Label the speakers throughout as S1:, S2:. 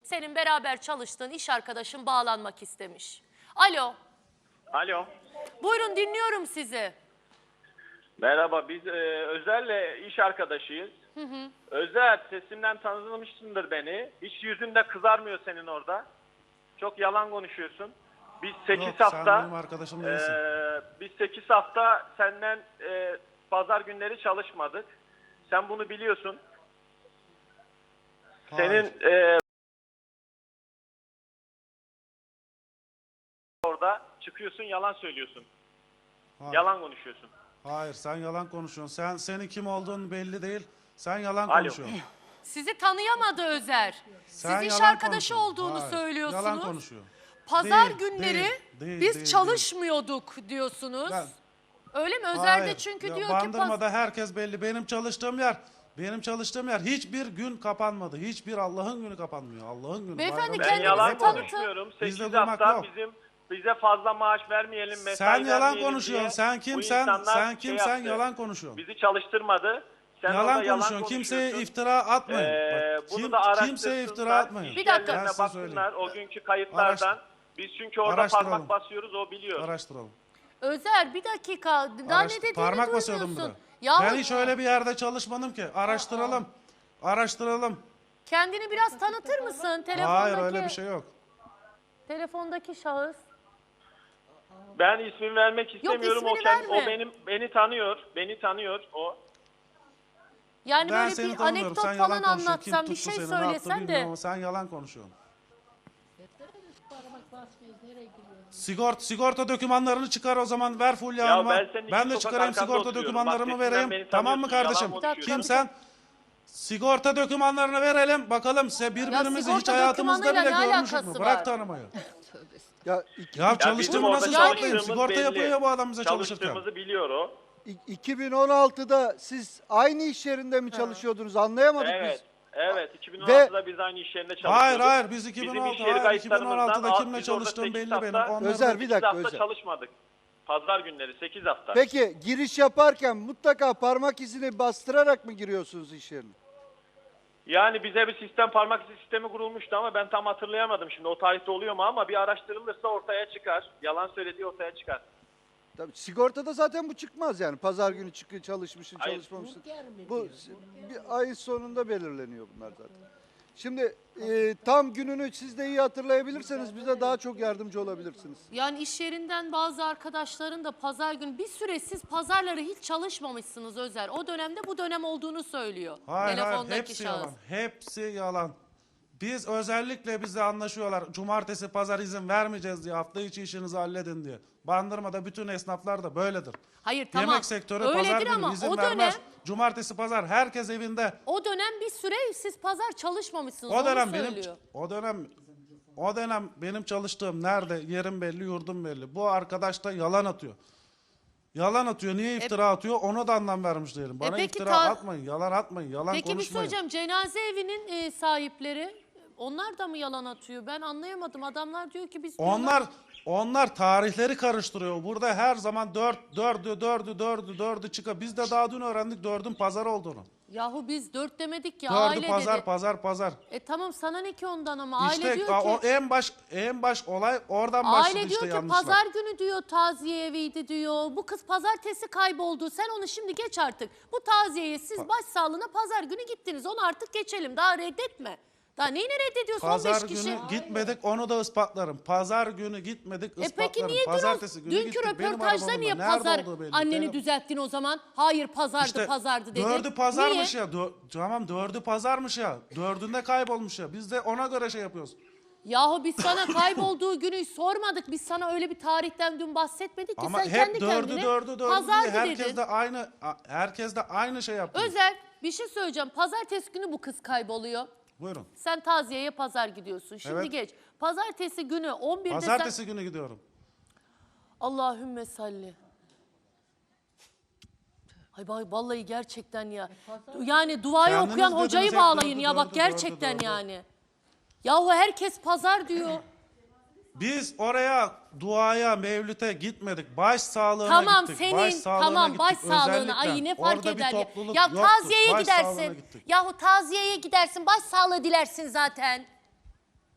S1: senin beraber çalıştığın iş arkadaşın bağlanmak istemiş. Alo.
S2: Alo.
S1: Buyurun, dinliyorum sizi.
S2: Merhaba, biz Özer'le iş arkadaşıyız. Özer, sesimden tanımışsındır beni. Hiç yüzün de kızarmıyor senin orada. Çok yalan konuşuyorsun. Biz 8
S3: Yok,
S2: hafta
S3: sen benim arkadaşım değilsin.
S2: biz 8 hafta senden pazar günleri çalışmadık. Sen bunu biliyorsun.
S3: Hayır.
S2: Senin orada çıkıyorsun, yalan söylüyorsun.
S3: Hayır.
S2: Yalan konuşuyorsun.
S3: Hayır, sen yalan konuşuyorsun. Senin kim olduğun belli değil. Sen yalan
S2: Alo.
S3: konuşuyorsun.
S1: Sizi tanıyamadı Özer.
S3: Sen
S1: Siz iş
S3: yalan
S1: arkadaşı
S3: konuşuyorsun.
S1: olduğunu
S3: Hayır,
S1: söylüyorsunuz.
S3: yalan konuşuyor.
S1: Pazar
S3: Değil,
S1: günleri
S3: değil,
S1: biz
S3: değil,
S1: çalışmıyorduk diyorsunuz.
S3: Ben-
S1: Öyle mi? Özer de
S3: Hayır.
S1: çünkü
S3: Ya
S1: diyor ki
S3: Bandırma'da herkes belli. Benim çalıştığım yer hiçbir gün kapanmadı. Hiçbir Allah'ın günü kapanmıyor. Allah'ın günü.
S1: Beyefendi,
S3: bayramı
S2: Ben
S1: kendinizi
S2: yalan
S3: hep olur.
S1: tanıtın.
S2: konuşmuyorum.
S3: Bizde
S2: 8
S3: durmak
S2: hafta
S3: yok.
S2: bize fazla maaş vermeyelim, mesai
S3: Sen yalan
S2: vermeyelim
S3: konuşuyorsun.
S2: diye
S3: Sen
S2: bu
S3: kimsen?
S2: insanlar
S3: Sen
S2: şey
S3: kimsen?
S2: yaptı.
S3: Yalan konuşuyorsun.
S2: Bizi çalıştırmadı. Sen orada
S3: Yalan konuşuyorsun. Kimseye iftira atmayın. Bak,
S2: Bunu da araştırsınlar.
S3: kimseye iftira atmayın.
S1: Bir dakika.
S2: İşlerine
S3: Ben size
S2: baksınlar
S3: söyleyeyim.
S2: o günkü kayıtlardan. Biz çünkü orada
S3: Araştıralım.
S2: parmak basıyoruz, o biliyor.
S3: Araştıralım.
S1: Özer bir dakika. Daha ne dediğini
S3: Parmak basıyordum
S1: duymuyorsun.
S3: burada.
S1: Yahu
S3: Ben hiç öyle bir yerde çalışmadım ki. Araştıralım. Araştıralım.
S1: kendini biraz tanıtır mısın? Telefondaki,
S3: Hayır, öyle bir şey yok.
S1: telefondaki şahıs.
S2: Ben ismini vermek istemiyorum.
S1: ismini
S2: O
S1: verme.
S2: beni tanıyor. Beni tanıyor o.
S1: Yani
S3: Ben
S1: böyle
S3: seni
S1: bir
S3: tanımıyorum.
S1: anekdot
S3: Sen
S1: falan
S3: yalan konuşuyorsun. Kim
S1: anlatsan, bir
S3: tuttu
S1: şey
S3: seni, ne yaptı
S1: söylesen
S3: bilmiyorum
S1: de.
S3: ama sen yalan konuşuyorsun.
S4: Parmak
S3: Sigorta dokümanlarını çıkar o zaman, ver Fulya
S2: Ya
S3: Hanım'a.
S2: ben senin iki
S3: Ben de
S2: sokak
S3: çıkarayım
S2: arkanda
S3: sigorta
S2: oturuyorum.
S3: dokümanlarımı
S2: Bak, sesinden
S3: vereyim.
S2: beni
S3: Tamam mı
S2: tanıyorsun, yalan
S3: kardeşim?
S2: konuşuyorsun.
S3: Kimsen? Sigorta dokümanlarını verelim. Bakalım size birbirimizi
S1: sigorta
S3: hiç hayatımızda
S1: dokümanıyla
S3: bile
S1: ne
S3: görmüşüz mü?
S1: alakası
S3: Bırak
S1: var?
S3: tanımayı.
S4: Ya
S3: Ya
S2: bizim
S3: çalıştığımı
S2: orada
S3: nasıl yapmayayım?
S2: çalıştığımız
S3: Sigorta
S2: belli.
S3: yapıyor bu adam bize çalışırken.
S2: Çalıştığımızı biliyor o.
S4: 2016'da siz aynı iş yerinde mi çalışıyordunuz? Anlayamadık
S2: Evet.
S4: biz.
S2: Evet, 2016'da biz aynı iş yerinde çalışıyorduk.
S3: Hayır, biz
S2: Bizim
S3: 2016,
S2: iş yeri
S3: hayır,
S2: kayıtlarımızdan
S3: 2016'da
S2: az,
S3: kimle
S2: biz orada
S3: çalıştığım
S2: 8
S3: belli
S2: hafta-
S3: benim. Onların
S4: Özer, bir
S2: 8
S4: dakika,
S2: hafta
S4: Özer.
S2: çalışmadık. Pazar günleri 8 hafta.
S4: Peki giriş yaparken mutlaka parmak izini bastırarak mı giriyorsunuz iş yerine?
S2: Yani bize bir sistem, parmak izi sistemi kurulmuştu ama ben tam hatırlayamadım şimdi o tarihte oluyor mu, ama bir araştırılırsa ortaya çıkar. Yalan söylediği ortaya çıkar.
S4: Tabii sigortada zaten bu çıkmaz yani. Pazar günü çalışmışsın,
S2: Hayır.
S4: çalışmamışsın. Bu bir ayın sonunda belirleniyor bunlar zaten. Şimdi tam gününü siz de iyi hatırlayabilirseniz bize daha çok yardımcı olabilirsiniz.
S1: Yani iş yerinden bazı arkadaşların da pazar günü, bir süre siz pazarları hiç çalışmamışsınız Özer. O dönemde bu dönem olduğunu söylüyor.
S3: Hayır,
S1: Telefondaki
S3: hepsi
S1: şahıs.
S3: yalan. Hepsi yalan. Biz özellikle bize anlaşıyorlar. Cumartesi, pazar izin vermeyeceğiz diye. Hafta içi işinizi halledin diye. Bandırma'da bütün esnaflar da böyledir.
S1: Hayır, tamam.
S3: Yemek sektörü
S1: Öyledir
S3: pazar günü
S1: ama
S3: izin
S1: o
S3: vermez.
S1: dönem-
S3: Cumartesi, pazar herkes evinde.
S1: O dönem bir süre siz pazar çalışmamışsınız.
S3: O dönem
S1: onu
S3: benim
S1: söylüyor.
S3: o dönem benim çalıştığım nerede, yerim belli, yurdum belli. Bu arkadaş da yalan atıyor. Yalan atıyor. Niye iftira atıyor? Ona da anlam vermiş değilim. Bana
S1: peki
S3: iftira atmayın, yalan atmayın, yalan
S1: Peki bir
S3: konuşmayın.
S1: söyleyeceğim, cenaze evinin sahipleri onlar da mı yalan atıyor? Ben anlayamadım. Adamlar diyor ki biz
S3: Onlar tarihleri karıştırıyor. Burada her zaman dördü çıkıyor. Biz de daha dün öğrendik 4'ün pazar olduğunu.
S1: Yahu biz 4 demedik ya,
S3: 4'ü
S1: aile dedi.
S3: pazar.
S1: Tamam, sana ne ki ondan, ama aile
S3: İşte
S1: diyor ki
S3: o en baş olay oradan başladı
S1: aile
S3: işte
S1: diyor ki
S3: yanlışlar.
S1: pazar günü diyor taziye eviydi diyor. Bu kız pazartesi kayboldu. Sen onu şimdi geç artık. Bu taziyeye siz başsağlığına pazar günü gittiniz. Onu artık geçelim. Daha reddetme. Daha neyini reddediyorsun?
S3: Pazar
S1: 15 kişi.
S3: günü gitmedik, onu da ispatlarım. Pazar günü gitmedik, ispatlarım.
S1: Peki niye
S3: Pazartesi günü
S1: dünkü
S3: gittik. Benim
S1: röportajda
S3: arabamla.
S1: niye
S3: Nerede
S1: pazar
S3: olduğu belli.
S1: anneni
S3: Benim-
S1: düzelttin o zaman? Hayır, pazardı
S3: İşte
S1: pazardı dedin.
S3: 4'ü pazarmış
S1: Niye?
S3: ya. Tamam, 4'ü pazarmış ya. 4'ünde kaybolmuş ya. Biz de ona göre şey yapıyoruz.
S1: Yahu biz sana kaybolduğu günü sormadık. Biz sana öyle bir tarihten dün bahsetmedik ki.
S3: Ama
S1: sen
S3: hep
S1: kendi
S3: 4'ü
S1: kendine
S3: 4'ü
S1: pazardı
S3: diye
S1: dedin.
S3: herkes de aynı şey yaptı.
S1: Özer, bir şey söyleyeceğim. Pazartesi günü bu kız kayboluyor.
S3: Buyurun.
S1: Sen taziyeye pazar gidiyorsun. Şimdi
S3: Evet.
S1: geç. Pazartesi günü 11'de
S3: Pazartesi günü gidiyorum.
S1: Allahümme salli. Ay vallahi gerçekten ya. Yani duayı
S3: Kendiniz
S1: okuyan
S3: dediniz
S1: hocayı
S3: hep
S1: bağlayın
S3: dördü,
S1: ya, bak
S3: dördü,
S1: gerçekten
S3: dördü.
S1: yani. Yahu herkes pazar diyor.
S3: Biz oraya duaya, mevlüte gitmedik. Baş sağlığına
S1: Tamam
S3: gittik.
S1: senin,
S3: Baş sağlığına
S1: tamam
S3: gittik.
S1: baş sağlığına.
S3: Özellikle.
S1: Ay ne fark
S3: Orada bir
S1: eder ya.
S3: topluluk
S1: Ya
S3: yoktu.
S1: taziyeye
S3: Baş sağlığına
S1: gidersin.
S3: gittik.
S1: Yahu taziyeye gidersin, baş sağlığı dilersin zaten.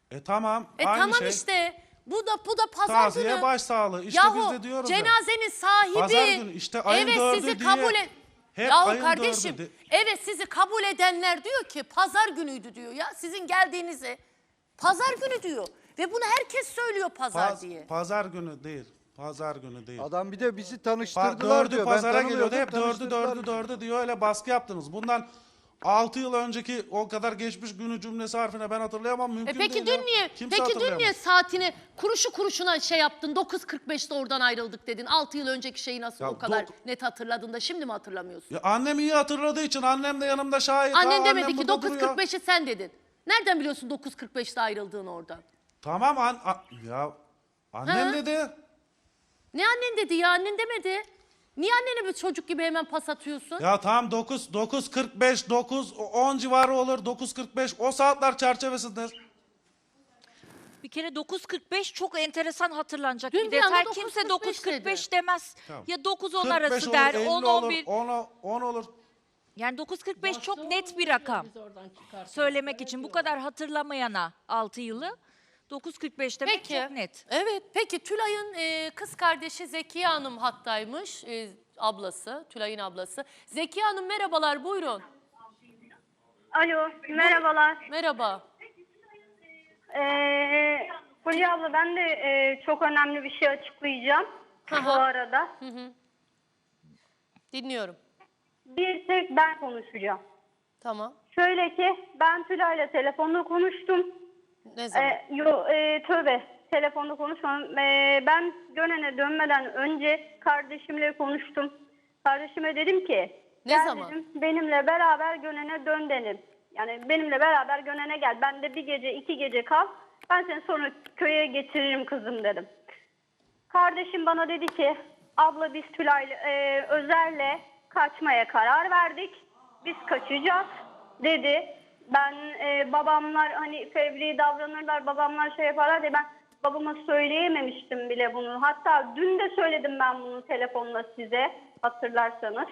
S3: Tamam. Aynı
S1: Tamam
S3: şey.
S1: işte. Bu da pazar
S3: Taziye
S1: günü.
S3: başsağlığı. İşte biz de diyoruz ya.
S1: cenazenin sahibi.
S3: Pazar günü işte ayın
S1: evet,
S3: 4'ü
S1: sizi
S3: diye.
S1: kabul
S3: Hep
S1: Yahu
S3: ayın
S1: kardeşim
S3: 4'ü
S1: evet sizi kabul edenler diyor ki pazar günüydü diyor ya. Sizin geldiğinizi pazar günü diyor. Ve bunu herkes söylüyor pazar diye.
S3: Pazar günü değil. Pazar günü değil.
S4: Adam bir de bizi tanıştırdılar
S3: Dördü
S4: diyor.
S3: pazara
S4: Ben
S3: geliyordu. Hep
S4: tanımıyordum,
S3: dördü diyor. Öyle baskı yaptınız. Bundan 6 yıl önceki o kadar geçmiş günü cümlesi harfine ben hatırlayamam. Mümkün
S1: Peki
S3: değil
S1: dün
S3: ya.
S1: niye?
S3: Kimse
S1: Peki dün
S3: hatırlayamaz.
S1: niye saatini kuruşu kuruşuna şey yaptın? 9.45'te oradan ayrıldık dedin. 6 yıl önceki şeyi nasıl
S3: Ya
S1: o kadar net hatırladın da şimdi mi hatırlamıyorsun?
S3: Ya annem iyi hatırladığı için annem de yanımda şahit.
S1: Annen
S3: Ha,
S1: demedi
S3: annem
S1: ki
S3: burada duruyor.
S1: 9.45'i sen dedin. Nereden biliyorsun 9.45'te ayrıldığını oradan?
S3: Tamam ya annem
S1: Ha?
S3: dedi.
S1: Ne annen dedi ya, annen demedi. Niye annene bir çocuk gibi hemen pas atıyorsun?
S3: Ya tamam 9.45 9-10 civarı olur 9.45 o saatler çerçevesindedir.
S5: Bir kere 9.45 çok enteresan hatırlanacak
S1: Dün
S5: bir
S1: bir anda
S5: detay. Kimse
S1: 9.45
S5: 9.45 demez.
S3: Tamam.
S5: Ya 9-10
S3: 45
S5: arası
S3: olur,
S5: der,
S3: 50 olur,
S5: 10-11.
S3: 10 olur.
S5: Yani 9.45 çok net bir rakam. Söylemek için bu kadar hatırlamayana 6 yılı 9.45 demek
S1: Peki.
S5: çok net.
S1: Evet. Peki Tülay'ın kız kardeşi Zekiye Hanım hattaymış. Ablası, Tülay'ın ablası. Zekiye Hanım merhabalar, buyurun.
S6: Alo, merhabalar.
S1: Merhaba.
S6: Fulya abla ben de çok önemli bir şey açıklayacağım bu
S1: Aha.
S6: arada.
S1: Dinliyorum.
S6: Bir tek ben konuşacağım.
S1: Tamam.
S6: Şöyle ki ben Tülay'la telefonda konuştum.
S1: Ne zaman?
S6: Tövbe telefonda konuşmadım. Ben Gönen'e dönmeden önce kardeşimle konuştum. Kardeşime dedim ki
S1: Ne
S6: gel
S1: zaman?
S6: dedim, benimle beraber Gönen'e dön dedim. Yani benimle beraber Gönen'e gel. Ben de bir gece 2 gece kal. Ben seni sonra köye getiririm kızım dedim. Kardeşim bana dedi ki abla biz Tülay'la Özer'le kaçmaya karar verdik. Biz kaçacağız dedi. Ben babamlar hani fevri davranırlar, babamlar şey yaparlar diye ben babama söyleyememiştim bile bunu. Hatta dün de söyledim ben bunu telefonla size hatırlarsanız.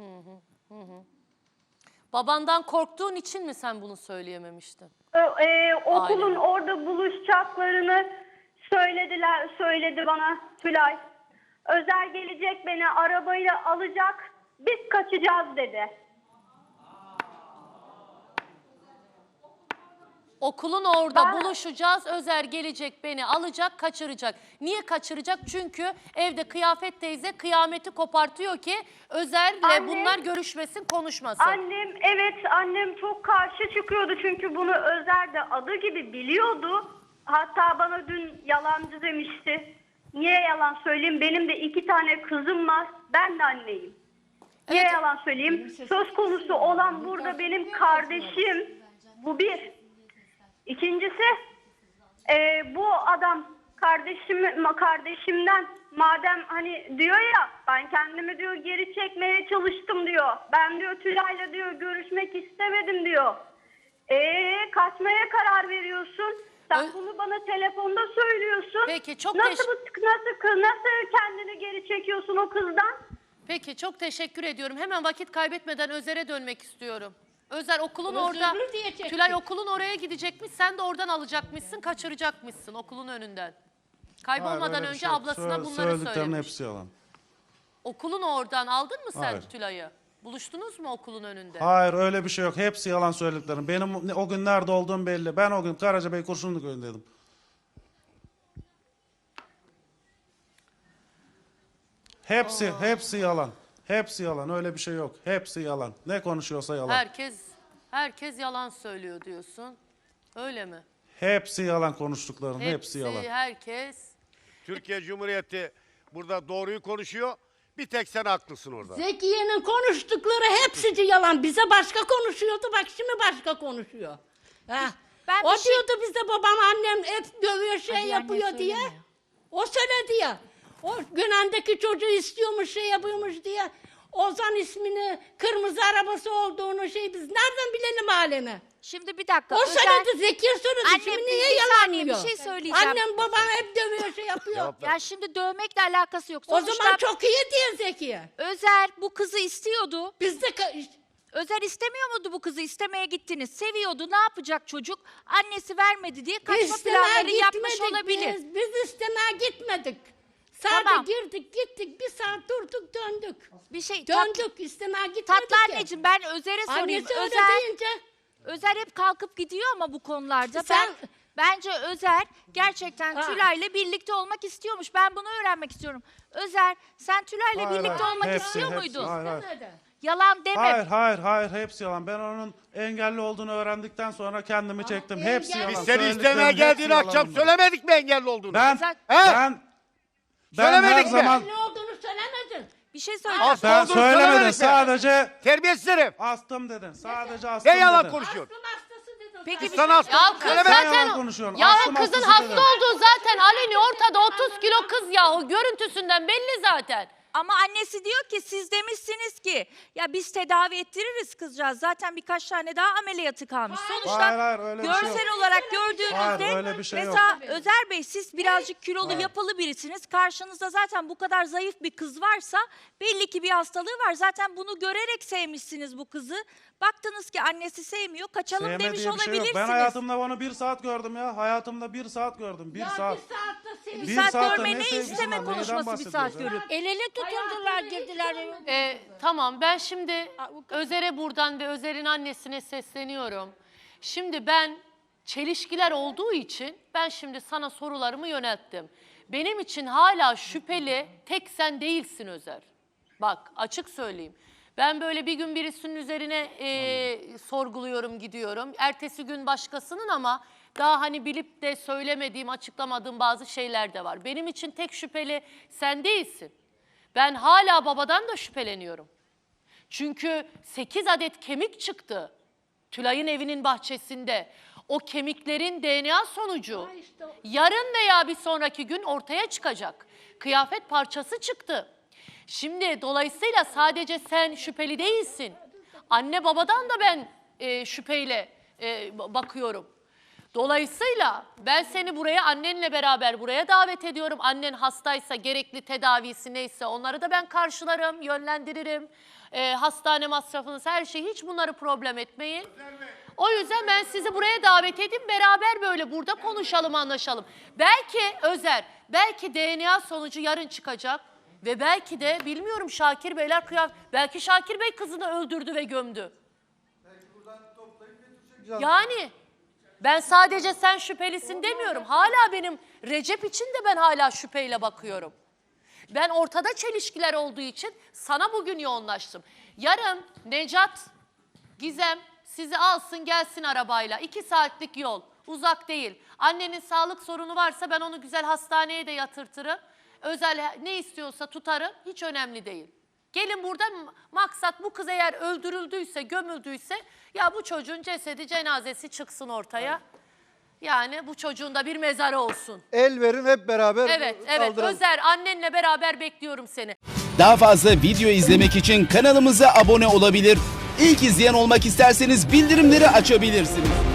S1: Babandan korktuğun için mi sen bunu söyleyememiştin?
S6: Okulun
S1: Aynen.
S6: orada buluşacaklarını söyledi bana Tülay. Özer gelecek beni arabayla alacak, biz kaçacağız dedi.
S1: Okulun orada
S6: Ben-
S1: buluşacağız. Özer gelecek beni alacak, kaçıracak. Niye kaçıracak? Çünkü evde Kıyafet teyze kıyameti kopartıyor ki Özer'le
S6: Anne-
S1: bunlar görüşmesin, konuşmasın.
S6: Annem çok karşı çıkıyordu çünkü bunu Özer de adı gibi biliyordu. Hatta bana dün yalancı demişti. Niye yalan söyleyeyim? Benim de 2 tane kızım var. Ben de anneyim. Niye
S1: Evet.
S6: yalan söyleyeyim? Söz konusu olan burada benim kardeşim. Bu bir. İkincisi bu adam kardeşimden madem hani diyor ya ben kendimi diyor geri çekmeye çalıştım diyor. Ben diyor Tülay'la diyor görüşmek istemedim diyor. Kaçmaya karar veriyorsun. Sen bunu bana telefonda söylüyorsun.
S1: Peki, çok
S6: nasıl kendini geri çekiyorsun o kızdan?
S1: Peki çok teşekkür ediyorum. Hemen vakit kaybetmeden Özer'e dönmek istiyorum. Özer okulun orada, Tülay okulun oraya gidecekmiş. Sen de oradan alacakmışsın, kaçıracakmışsın okulun önünden. Kaybolmadan
S3: Hayır, öyle bir
S1: önce
S3: şey yok.
S1: ablasına bunları
S3: Söylediklerinin
S1: söylemiş.
S3: hepsi yalan.
S1: Okulun oradan aldın mı sen
S3: Hayır.
S1: Tülay'ı? Buluştunuz mu okulun önünde?
S3: Hayır öyle bir şey yok. Hepsi yalan söylediklerim. Benim o gün nerede olduğum belli. Ben o gün Karacabey Kurşunlu köyündeydim. Hepsi yalan. Hepsi yalan. Öyle bir şey yok. Hepsi yalan. Ne konuşuyorsa yalan.
S1: Herkes yalan söylüyor diyorsun. Öyle mi?
S3: Hepsi yalan konuştukların. Hepsi yalan.
S1: Herkes.
S7: Türkiye Cumhuriyeti burada doğruyu konuşuyor. Bir tek sen haklısın orada.
S8: Zekiye'nin konuştukları hepsi yalan. Bize başka konuşuyordu, bak şimdi başka konuşuyor. Ha.
S5: Ben
S8: O
S5: bir şey-
S8: diyordu bize babam annem hep dövüyor şey
S5: Hadi
S8: yapıyor
S5: anne
S8: diye.
S5: söyleme.
S8: O söyledi ya. O Gönen'deki çocuğu istiyormuş şey yapıyormuş diye. Ozan ismini kırmızı arabası olduğunu şey biz nereden bilelim alemi?
S5: Şimdi bir dakika.
S8: O
S5: Özer-
S8: söyledi Zekiye söyledi.
S5: Annem,
S8: Şimdi
S5: bir
S8: niye
S5: saniye,
S8: yalanlıyor?
S5: bir şey söyleyeceğim.
S8: Annem babam hep dövüyor şey yapıyor.
S7: Cevap ver.
S5: Ya şimdi dövmekle alakası yok.
S8: O
S5: Sonuçta
S8: zaman çok iyi diyor Zekiye.
S5: Özer bu kızı istiyordu.
S8: Biz de
S5: Özer istemiyor muydu bu kızı? İstemeye gittiniz. Seviyordu. Ne yapacak çocuk? Annesi vermedi diye kaçma planları yapmış olabilir.
S8: Biz istemeye gitmedik. Sadece
S5: Tamam.
S8: girdik gittik bir saat durduk döndük.
S5: Bir şey
S8: Döndük istemeye gitmedik
S5: tatlı
S8: ya.
S5: anneciğim, ben Özer'e sorayım.
S8: Annesi öyle
S5: Özer,
S8: deyince
S5: Özer hep kalkıp gidiyor ama bu konularda.
S8: Sen-
S5: Bence Özer gerçekten
S8: Ha.
S5: Tülay'la birlikte olmak istiyormuş. Ben bunu öğrenmek istiyorum. Özer, sen Tülay'la
S3: Hayır,
S5: birlikte
S3: hayır.
S5: olmak
S3: Hepsi,
S5: istiyor
S3: hepsi.
S5: muydun?
S3: Hayır, hayır.
S8: istemedi.
S5: Yalan deme.
S3: Hayır hepsi yalan. Ben onun engelli olduğunu öğrendikten sonra kendimi çektim. Hepsi
S8: engelli-
S3: yalan.
S7: Biz seni
S3: Söylediklerim
S7: istemeye
S3: hepsi
S7: geldiğin
S3: yalan
S7: akşam
S3: bunlar.
S7: söylemedik mi engelli olduğunu?
S3: Ben
S5: Özel-
S7: Söylemedik
S3: her
S7: mi?
S3: zaman
S8: Ne olduğunu söylemedin.
S5: Bir şey söyleyeceğim.
S7: Hasta
S3: ben
S7: olduğunu
S3: söylemedim.
S7: söylemedik mi?
S3: Sadece
S7: Terbiyesiz herif.
S3: astım dedin. Sadece astım
S7: Ne yalan
S3: dedin.
S7: konuşuyorsun?
S8: Aklın hastası dedin.
S5: Peki
S8: sen.
S5: bir
S7: Sana hasta
S1: Ya
S7: olduğunu
S1: kız
S7: söylemedik.
S3: Sen yalan
S1: zaten
S3: konuşuyorsun.
S1: ya
S3: Astım
S1: kızın
S3: hastası
S1: hasta
S3: dedim.
S1: olduğu zaten Aleni ortada 30 kilo kız yahu görüntüsünden belli zaten.
S5: Ama annesi diyor ki siz demişsiniz ki ya biz tedavi ettiririz kızcağız. Zaten birkaç tane daha ameliyatı kalmış. Sonuçta
S3: Hayır, öyle bir şey
S5: görsel
S3: yok.
S5: olarak gördüğünüzde
S3: Hayır, öyle bir şey yok.
S5: mesela Özer Bey siz birazcık kilolu yapılı birisiniz. Karşınızda zaten bu kadar zayıf bir kız varsa belli ki bir hastalığı var. Zaten bunu görerek sevmişsiniz bu kızı. Baktınız ki annesi sevmiyor. Kaçalım
S3: Sevmediği
S5: demiş
S3: bir şey yok.
S5: olabilirsiniz.
S3: Ben hayatımda onu 1 saat gördüm ya. Hayatımda 1 saat gördüm. 1
S8: Ya
S3: saat.
S8: bir saatte seni.
S5: Bir
S3: Bir
S5: saat
S3: saatte
S5: görme
S3: ne
S5: ne
S3: sevgisi
S5: isteme
S3: var? Neyden
S5: konuşması bir saat
S3: bahsediyoruz ya?
S5: görüp.
S8: El ele tutuldular girdiler.
S1: Tamam ben şimdi Özer'e buradan ve Özer'in annesine sesleniyorum. Şimdi ben çelişkiler olduğu için ben şimdi sana sorularımı yönelttim. Benim için hala şüpheli tek sen değilsin Özer. Bak açık söyleyeyim. Ben böyle bir gün birisinin üzerine sorguluyorum gidiyorum. Ertesi gün başkasının ama daha hani bilip de söylemediğim, açıklamadığım bazı şeyler de var. Benim için tek şüpheli sen değilsin. Ben hala babadan da şüpheleniyorum. Çünkü 8 adet kemik çıktı Tülay'ın evinin bahçesinde. O kemiklerin DNA sonucu yarın veya bir sonraki gün ortaya çıkacak. Kıyafet parçası çıktı. Şimdi dolayısıyla sadece sen şüpheli değilsin. Anne babadan da ben şüpheyle bakıyorum. Dolayısıyla ben seni buraya annenle beraber buraya davet ediyorum. Annen hastaysa gerekli tedavisi neyse onları da ben karşılarım, yönlendiririm. Hastane masrafınız her şey hiç bunları problem etmeyin. O yüzden ben sizi buraya davet edeyim beraber böyle burada konuşalım anlaşalım. Belki Özer, belki DNA sonucu yarın çıkacak. Ve belki de bilmiyorum Şakir Beyler belki Şakir Bey kızını öldürdü ve gömdü. Yani ben sadece sen şüphelisin demiyorum. Hala benim Recep için de ben hala şüpheyle bakıyorum. Ben ortada çelişkiler olduğu için sana bugün yoğunlaştım. Yarın Necat, Gizem sizi alsın gelsin arabayla. 2 saatlik yol. Uzak değil. Annenin sağlık sorunu varsa ben onu güzel hastaneye de yatırtırım. Özel ne istiyorsa tutarım. Hiç önemli değil. Gelin burada maksat bu kız eğer öldürüldüyse, gömüldüyse ya bu çocuğun cesedi, cenazesi çıksın ortaya. Yani bu çocuğun da bir mezarı olsun.
S4: El verin hep beraber
S1: Evet,
S4: kaldıralım.
S1: Özer annenle beraber bekliyorum seni.
S9: Daha fazla video izlemek için kanalımıza abone olabilir. İlk izleyen olmak isterseniz bildirimleri açabilirsiniz.